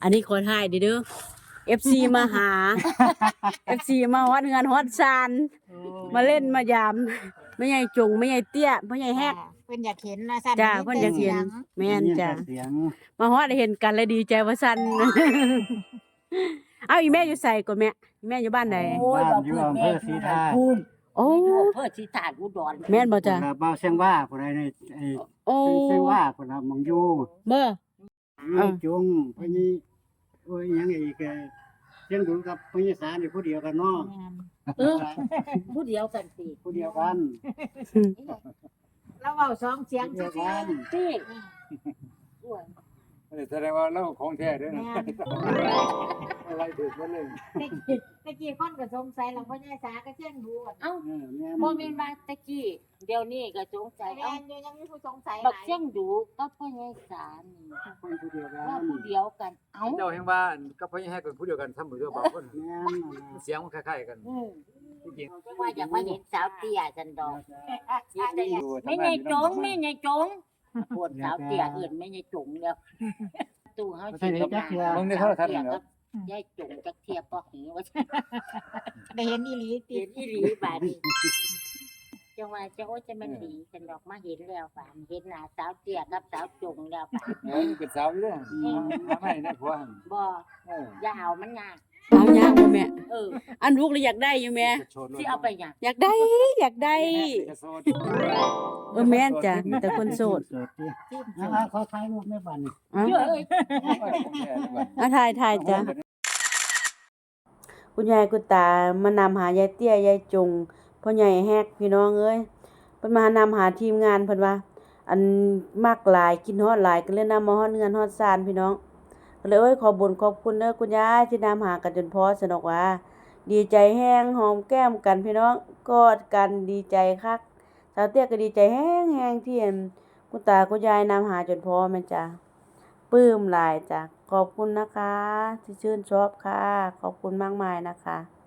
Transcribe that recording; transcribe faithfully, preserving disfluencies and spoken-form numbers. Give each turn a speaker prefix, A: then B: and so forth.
A: อันนี้ขอถ่ายเด้อเด้อ เอฟ ซี มาหา เอฟ ซี มาฮอดเงินฮอดซานมาเล่นมายามไม่ใหญ่จงไม่ใหญ่เตี้ยไม่ใหญ่แฮก
B: เพิ่นอยากเห็นนะสั่น
A: จ้าเพิ่นอยากเห็นแม่นจ้า
C: เสียง
A: มาฮอดได้เห็นกันแล้วดีใจว่าซั่น เอาอีแม่อยู่ไสก่อนแม่อีแม่อยู่บ้านใด
C: บ้านอยู่อำเภอศรีธาตุ
A: โอ้
D: เพื่อที่ตาดอุดร
A: แม่นบ่จ้า
C: พุ่นน่ะเบาเสียงว่าพุ่นน่ะในไอ้
A: โอ้
C: เสียงว่าพุ่นน่ะมองอยู่
A: เบ้อ
C: นี่จุงพะนี่โอ้ยหยังอีกเอ่อเสียงดุกับพะนี่สารนี่ผู้เดียวกันเนาะ
D: เออผู้เดียวกันสิ
C: ผู้เดียวกัน
B: แล้วเว้าสองเสียง
C: ผู้เดียว
B: ซื่อ
C: กัน
D: ที่อ้วน
E: แสดงว่าเราของแท้เด้อ
B: ๆ
E: นะ
B: แม่น
E: อะไรถูกบ่เลย
B: ตะกี้ตะกี้คนก็สงสัยแล้วพ่อใหญ่สาก็เชียงดูอะ
D: เอ้า
C: เออแม่น
D: บ่แม่นว่าตะกี้เดี๋ยวนี้ก็สงสัย
B: แม่
D: เอ้าน
B: อยู่ยังมีผู้สงสัยห
D: บัก
B: ลาย
D: เสียงดูก็พ่อใหญ่สารนี่
C: คนผู้เดียวกั
D: ว่าน ผู้เดียวกันเอ้า
E: เจ้าแห่งบ้านกับพ่อแห่เป็นผู้เดียวกันทำมือเดียวบางคน
C: แม่นนั่นล่ะ
E: เสียงมันคล้ายๆกัน
D: อืม
E: จริง
D: จังว่าอยากมาเห็นสาวเตี้ยจันดอก
B: อันนี้
E: ๆดู
D: แม่ใหญ่จงแม่ใหญ่จงพวกสาวเตี้ยเอื่นแม่ใหญ่จงแล้วตู้เฮาสิได้มา
E: มึงในโทรทัศน์นี่เหรอย
D: ายจงจักเทียบบ่หือว่า
B: ได้เห็นอีหลีติ
D: เห็นอีหลีบาดนี้จังว่าจะโอ้จะมันดีจันดอกมาเห็นแล้วบาดเห็นหน้าสาวเตี้ยกับสาวจงแล้วบาด
E: เออเป็นสาวอยู่เด้อหาไม่นะผัวหั่น
D: บ่
E: เออ
D: อย่าเอามันยาก
A: เอายากบ่แม่
D: เออ
A: อันลูกเลยอยากได้อยู่แม่
E: จะโชว์
D: สิเอาไปหยัง
A: อยากได้อยากได้
E: จะโชว์
A: เออแม่นจ้ะมีแต่คนโสด
C: โสดติอ่าเขาถ่ายรูปแม่บ้านนี่
A: เอ้า
D: เชื่อเอ้ย
A: เอาถ่ายถ่ายจ้ะคุณยายคุณตามานำหายายเตี้ยยายจงพ่อใหญ่แฮกพี่น้องเอ้ยเพิ่นมานำหาทีมงานเพิ่นว่า อันมักหลายกินฮอดหลายก็เลยนำมาฮอดเงินฮอดซานพี่น้องก็เลยเอ้ยขอบุญขอบคุณเด้อคุณยายที่นำหากันจนพอสนอกว่า ดีใจแห้งหอมแก้มกันพี่น้องกอดกันดีใจคักสาวเตี้ยก็ดีใจแห้งแห้งที่เห็นคุณตาคุณยายนำหาจนพอแม่นจ้ะปลื้มหลายจ้ะขอบคุณนะคะ ที่ชื่นชอบค่ะ ขอบคุณมากมายนะคะ